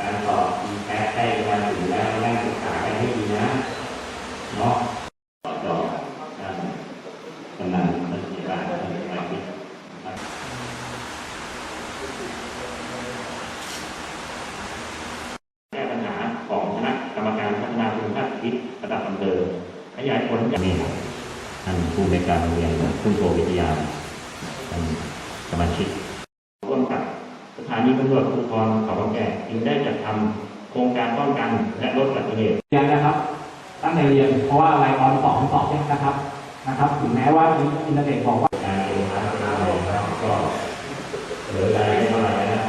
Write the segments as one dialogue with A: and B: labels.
A: การสอบมีแพ้ใกล้มาถึงแล้วนั่งศึกษากันให้ดีนะเนาะต่อกำลังมันเสียบ้างมันสมาธิแก้ปัญหาของคณะกรรมการพัฒนาคุณภาพชีวิตระดับอำเภอขยายผลอย่างนี้ท่านผู้ในวยการโรงเรียนผู้โชวิทยาท่านสมาชิกร่วมกับสถานีตำรวจภูธรเขาบางแก่จึงได้จัดทำโครงการป้องกันและลดอุบัติเหตุ
B: ยังนะครับตั้งใจเรียนเพราะว่าอะไรตอนสอบเนี่ยนะครับถึงแม้ว่าอินเทอร์เน็ตบอกว่า
A: การเรียนรู้นะครับก็เหลือรายได้เท่าไหร่นะ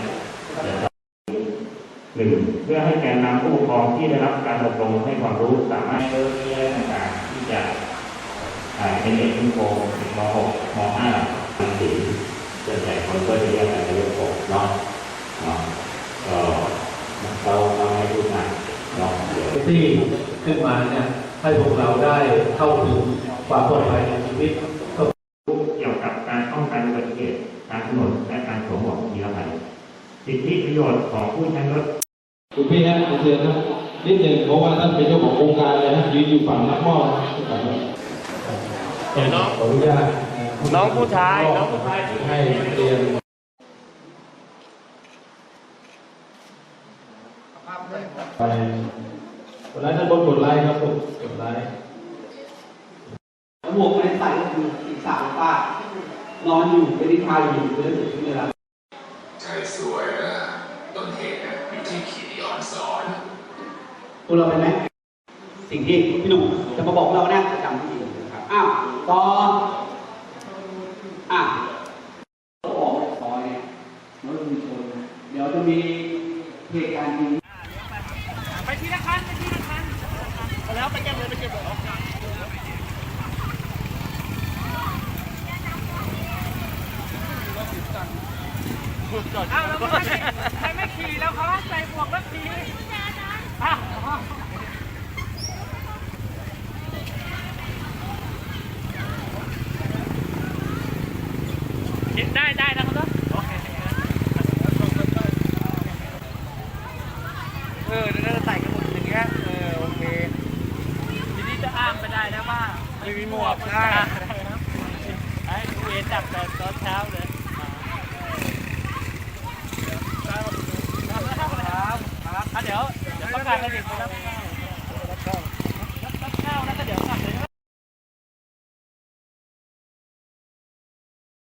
A: หนึ่งเพื่อให้แกนนำผู้ปกครองที่ได้รับการอบรมให้ความรู้สามารถเรียนต่างๆที่จะเป็นเด็กขึ้นโกม.6 ม.5 ม.4ส่วนใหญ่คนก็จะเรียกกันในเรื่องของเนาะก็เราให้ทุกงานเนาะ
B: ที่ขึ้นมาเนี่ยให้พวกเราได้เข้าถึงความปลอดภัยในชีวิต
A: เกี่ยวกับการป้องกันอุบัติเหตุทางถนนและการสวมหมวกนิรภัยสิทธิประโยชน์ของผู้ใช้รถ
C: คุณพี่ฮะเชิญนะนิดหนึ่งเพราะว่าท่านเป็นเจ้าของโครงการเลยนะยืนอยู่ฝั่งนักมอบ
B: เดี๋ยวน้องขออนุญาต
D: น้องผู้ชาย
B: ให้เรียนไปวันนั้นท่านกดไลค์ครับกดไลค์
E: หมวกไม่ได้ใส่ก็คือศีรษะป้านอนอยู่ไม่ได้ทาอยู่ไม่ได้เสียชีวิตเลยครับ
F: ใจสวยนะต้นเหตุอยู่ที่ขีดอ่อนสอน
E: ตัวเราเป็นไหมสิ่งที่พี่หนุ่มจะมาบอกเราเนี่ยจำที่นะครับอ้าวต่อออกซอยเนี่ยรถมีชนเดี๋ยวจะมีเหตุการณ์จริง
D: ไปทีละคันแล้วไปเก็บเลยอ้าวแล้วใครไม่ขี่แล้วเขาใส่หมวกแล้วขี่คิดได้นะครับโอเคเดี๋ยวเราใส่กันหมดอย่างเงี้ยโอเคทีนี้จะอ้างไม่ได้นะว่าไม่มีหมวกได้ไอ้ดูเอ็นจับตอนเช้าเลยครับเดี๋ยวประกาศกันอีกนะครับ